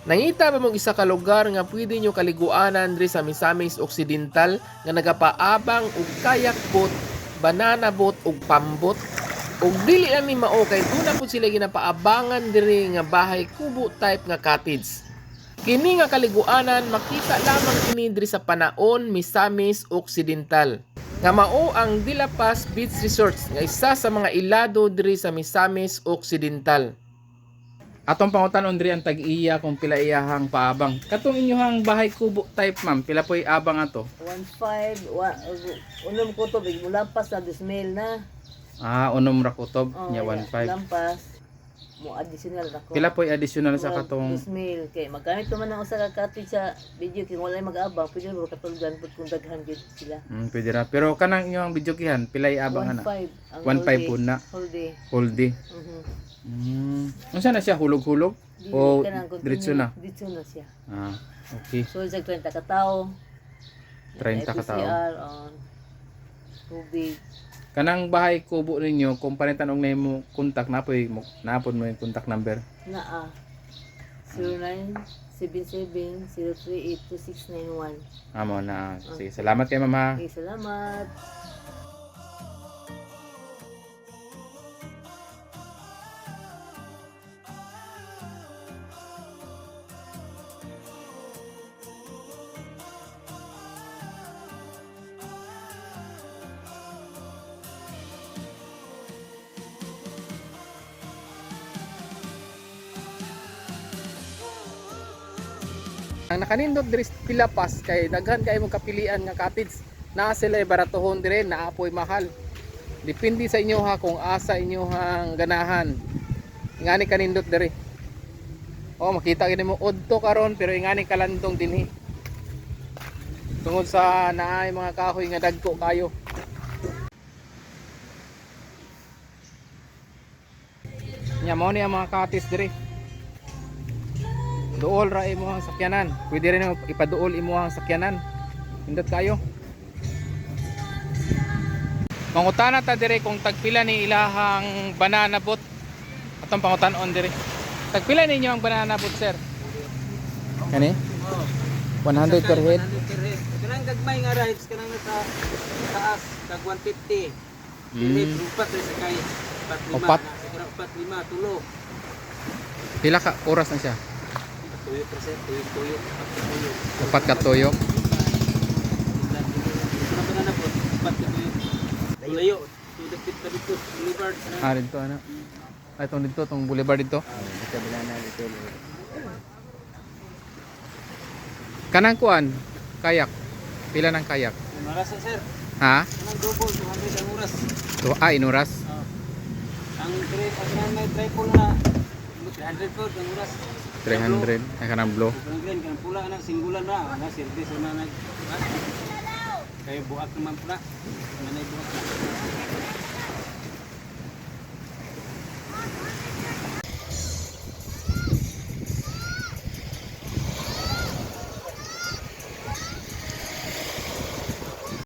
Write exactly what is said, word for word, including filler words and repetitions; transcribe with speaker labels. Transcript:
Speaker 1: Nangita ba mong isa ka lugar nga pwede nyo kaliguanan diri sa Misamis Occidental nga nagapaabang og kayak boat, banana boat ug pambot? Ug dili lang ni mao kay duna pud sila ginapaabangan diri nga bahay kubo type nga cottage. Kini nga kaliguanan makita lamang kini diri sa Panaon, Misamis Occidental. Nga mao ang Dilapas Beach Resorts nga isa sa mga ilado diri sa Misamis Occidental.
Speaker 2: Atong pangutanon diri ang tag-iya kung pila iyahang paabang. Katong inyohang bahay kubo type ma'am, pila po'y abang ato?
Speaker 3: one five, wa, unom ko to, big mulampas na dismail na.
Speaker 2: Ah, unom ra kutob
Speaker 3: Oh,
Speaker 2: nya one five.
Speaker 3: Lampas, mo additional ako.
Speaker 2: Pila po'y additional sa
Speaker 3: Murag
Speaker 2: katong
Speaker 3: dismail, kay magamit naman ang usa ka cottage sa video, kay wala mag-abang, pwede mo katulgan, pud kung daghan gyud sila.
Speaker 2: hmm, pwede ra. Pero kanang inyong video kihan, pila iabang ana?
Speaker 3: one five, ang
Speaker 2: one
Speaker 3: whole
Speaker 2: five
Speaker 3: day.
Speaker 2: po na.
Speaker 3: Whole day.
Speaker 2: Whole day.
Speaker 3: Mhm.
Speaker 2: Hmm. Unsa na siya hulog-hulog?
Speaker 3: Dili,
Speaker 2: O
Speaker 3: kanang continue,
Speaker 2: diretso na?
Speaker 3: Diretso na siya.
Speaker 2: Ah, okay.
Speaker 3: So, sa thirty ka tao.
Speaker 2: thirty ka tao.
Speaker 3: F P C R on tubig.
Speaker 2: Kanang bahay kubo ninyo, kung panitan og nimo kontak napoy mo napod mo yung contact number.
Speaker 3: Naa. zero nine seven seven zero three eight two six nine one.
Speaker 2: Amo na. Sige, salamat kay mama.
Speaker 3: Okay, salamat.
Speaker 1: Ang nakanindot diri sa Dilapas kay daghan kay mong kapilian nga cottage. Naa sila baratohon dire, naa po'y mahal. Depende sa inyo ha kung asa inyo hang ganahan. Ingani kanindot diri. Oh, makita gini mo udto karon pero ingani kalandong dinhi. Tungod sa naay mga kahoy nga dagko kayo. Nya mo ni ang mga cottage diri. Duol ra imo ang sakyanan. Pwede rin ipaduol imo ang sakyanan. Pindot kayo. Mangutana ta dire kung tagpila ni ilahang banana boat. Atong pangutan-on dire. Tagpila ninyo ang banana boat, sir? Kani? one hundred per head.
Speaker 4: Kanang gagmay nga rides kanang nasa taas tag one fifty.
Speaker 2: Mm.
Speaker 4: Dili upat rin sa kay upat lima.
Speaker 2: Upat?
Speaker 4: Siguro upat lima tulo.
Speaker 2: Pila ka oras na siya?
Speaker 4: Tuyo percent tuyo tuyo upat ka tuyo.
Speaker 2: Upat ka tuyo.
Speaker 4: Ito na na po upat ka tuyo. Layo. Tudapit ka dito boulevard.
Speaker 2: Ah, dito ano? Ay, itong dito, itong boulevard dito.
Speaker 4: Dito banana dito.
Speaker 2: Kanang kuan, kayak. Pila ng kayak?
Speaker 4: Oras na sir.
Speaker 2: Ha?
Speaker 4: Kanang double two hundred ang oras.
Speaker 2: To, ah, inuras.
Speaker 4: Ah. Ang trip ang may triple na three hundred po ang oras.
Speaker 2: three hundred. Ay, kanang blow.
Speaker 4: Kanang green kanang pula na singulan na na service na nag. Kay buak naman pula. Manay buak na.